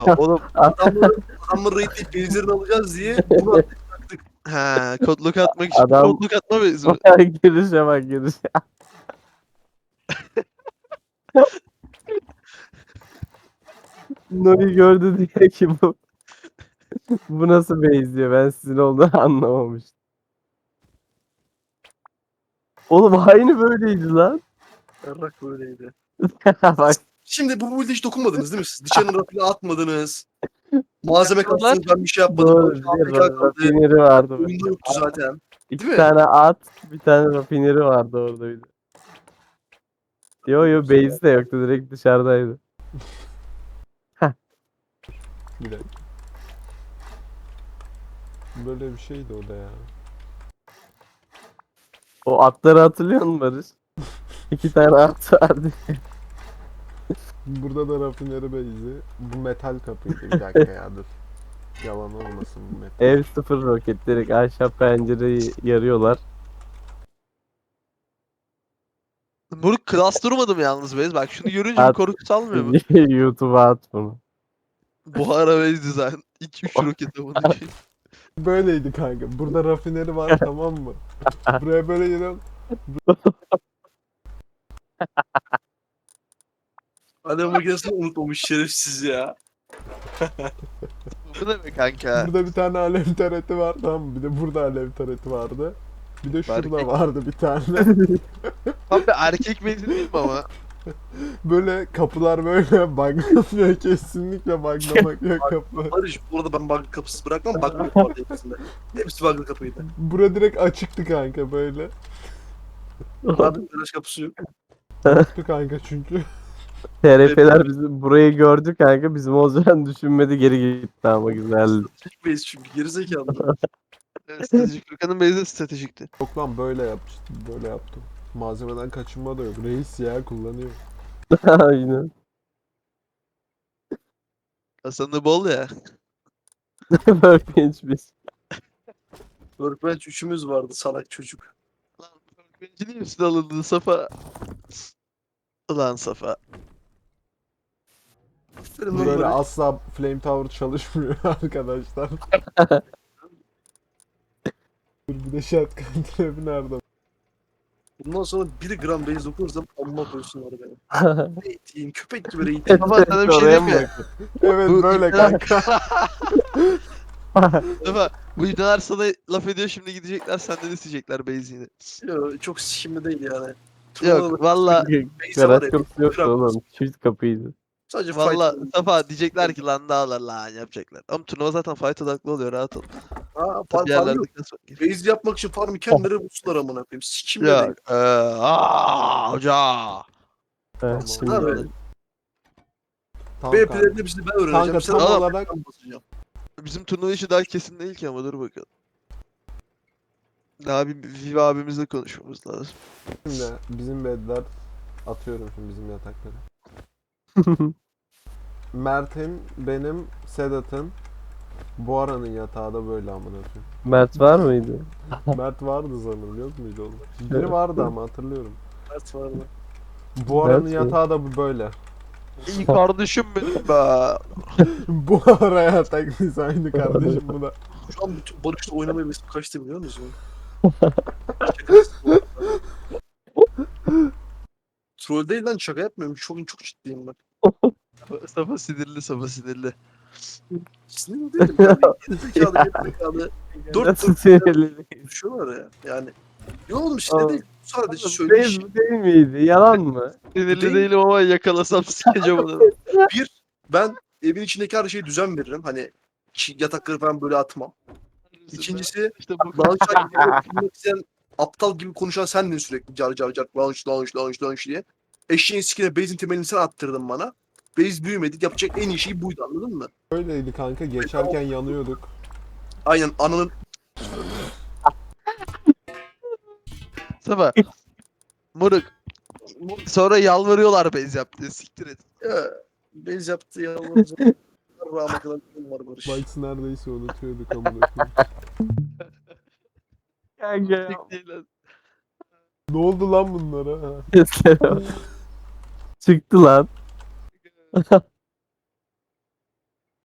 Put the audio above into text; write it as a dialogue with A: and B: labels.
A: Oğlum
B: adamları raidleyip base'lerini alacağız diye bunu attık.
A: he kodluk atmak için
C: Adam-
A: kodluk atma mevzu.
C: Girişe bak girişe. Nuri gördü diye ki bu nasıl base diyor. Ben sizin olduğunu anlamamıştım. Oğlum aynı böyleydi lan.
B: Yarrak böyleydi.
C: Bak
B: Şimdi bu build'e hiç dokunmadınız değil mi siz? Dışarının rafine atmadınız. Malzeme
A: Yapıyorlar.
B: kastınız, ben bir şey yapmadım.
C: doğru.
B: Bu AFK kaldı.
C: Rafineri vardı.
B: Oyunda yoktu zaten.
C: İki
B: Değil mi?
C: tane at, bir tane rafineri vardı orada bir de. Yo base de yoktu. Direkt dışarıdaydı.
D: Bir dakika. Böyle bir şeydi o da ya.
C: O atları hatırlıyor musun Barış? İki tane at vardı.
D: Burada da rafineri base'i. Bu metal kapıydı. Bir dakika ya dur. Yalan olmasın bu metal.
C: Ev sıfır roket. Direkt aşağı pencereyi yarıyorlar.
A: Moruk klas durmadım yalnız Beyz. Bak şunu görünce bir
C: At.
A: korku salmıyor mu?
C: YouTube'a at bunu.
A: Buhara Beyz design. 2-3 roket amına koyayım.
D: Böyleydi kanka. Burada rafineri var tamam mı? Buraya böyle geliyorum.
B: Alev makinesini unutmamış şerefsiz ya.
A: Bu ne be kanka?
D: Burada bir tane alev tareti var tamam mı? Bir de burada alev tareti vardı. Bir de şurada
A: Erkek.
D: vardı bir tane.
A: Tam bir erkek benzin değil mi ama?
D: Böyle kapılar böyle buglamıyor. Kesinlikle buglamak yok kapı.
B: Barış burada ben bug kapısı bırakmam. Bug vardı hepsinde. Hepsi bug'lı kapıydı.
D: Bura direkt açıktı kanka böyle.
B: Abi garaj kapısı yok.
D: Yoktu kanka çünkü.
C: TRF'ler bizim burayı gördü kanka. Bizim olacağını düşünmedi, geri gitti ama güzeldi.
B: Stratejik base çünkü gerizekalı.
A: Stratejik. Furkan'ın Beyz'de stratejikti.
D: Yok lan böyle yapmıştım. Böyle yaptım. Malzemeden kaçınma da yok. Reis ya kullanıyor.
C: Aynen.
A: Hasan'da bol ya.
C: Workbench.
B: Workbench üçümüz vardı salak çocuk.
A: Lan Workbench'in niye üstüne alındı Safa? Ulan Safa.
B: Aferin lan
D: Böyle
B: Barış.
D: asla Flame Tower çalışmıyor arkadaşlar. Dur bir de shotgun trap'i nerede?
B: Bundan sonra 1 gram base dokunursam amma koysunlar beni. Eğiteyim, köpek gibi eğiteyim.
A: Safa sana bir şey diyeyim mi?
D: Evet
A: Bu
D: böyle
A: iptal-
D: kanka.
A: Safa bu ibneler sana laf ediyor şimdi gidecekler senden isteyecekler Beyz'ini.
B: Yo, çok sikimli değil yani.
A: Yok valla
B: Base'e var
C: Garaj
B: ya.
C: kapısı yoktu
B: gram-
C: oğlum. Çift kapıydı.
B: Sadece
A: valla
B: fight.
A: Safa diyecekler ki lan dağlar lan yapacaklar. Ama turnuva zaten fight odaklı oluyor rahat ol.
B: Ha,
A: Bir
B: farm
A: yerlerde
B: yok.
A: kasmak gerekiyor.
B: Base yapmak için farmı kendileri bulsunlar amına koyayım. Sikimli değil.
A: Yok. Hoca.
D: Tamam.
C: Şimdi
B: Abi,
D: Tam
B: B
D: kanka.
B: planını hepsini ben öğreneceğim.
D: Kanka,
B: Sen
D: tam
B: bana
D: olarak-
B: ben basacağım.
A: Bizim turnuva işi daha kesin değil ki ama dur bakalım. Daha bir Viva abimizle konuşmamız lazım.
D: Şimdi bizim bedler atıyorum şimdi bizim yatakları. Mert'in, benim, Sedat'ın, Buhara'nın yatağı da böyle amına koyayım.
C: Mert var mıydı?
D: Mert vardı sanırım yok muydu oğlum? Biri vardı ama hatırlıyorum.
B: Ders var mı?
D: Buhara'nın
C: Mert mi?
D: yatağı da böyle.
A: İyi kardeşim benim be.
D: Buhara yatak dizaynı kardeşim bu da.
B: Şu an bütün Barış'la oynamaya vesim kaçtı biliyor musun? Şakasız bu arada. Troll değil lan, şaka yapmıyorum. Çok ciddiyim ben.
A: Safa sinirli Safa sinirli.
B: Sinirli değilim. Yani gerizekalı.
C: Nasıl sinirli?
B: Konuşuyorlar ya. Yani. Yok oğlum
C: Aa.
B: sinirli değil. Sadece
C: Değil,
B: söyleyiş.
C: değil miydi? Yalan mı?
A: Sinirli
B: Değil.
A: değilim ama yakalasam sikeceğim onu.
B: Ben evin içindeki her şeye düzen veririm. Hani yatakları falan böyle atmam. İkincisi
A: işte bu
B: launch'a girmek isteyen aptal gibi konuşan sendin sürekli car car car launch diye. Eşeğin sikine base'in temelini sen attırdın bana. Base büyümedi. Yapacak en iyi şey buydu, anladın mı?
D: Böyleydi kanka geçerken yanıyorduk.
B: Aynen ananın
A: Safa. Moruk. Sonra yalvarıyorlar bez yap diye siktir et.
B: base yaptı ya. Rahmet kadar var Barış.
D: Bites neredeyse unutuyorduk amına koyayım.
C: Kanka ya.
A: Sik değil lan.
D: Ne oldu lan bunlara?
C: Çıktı lan.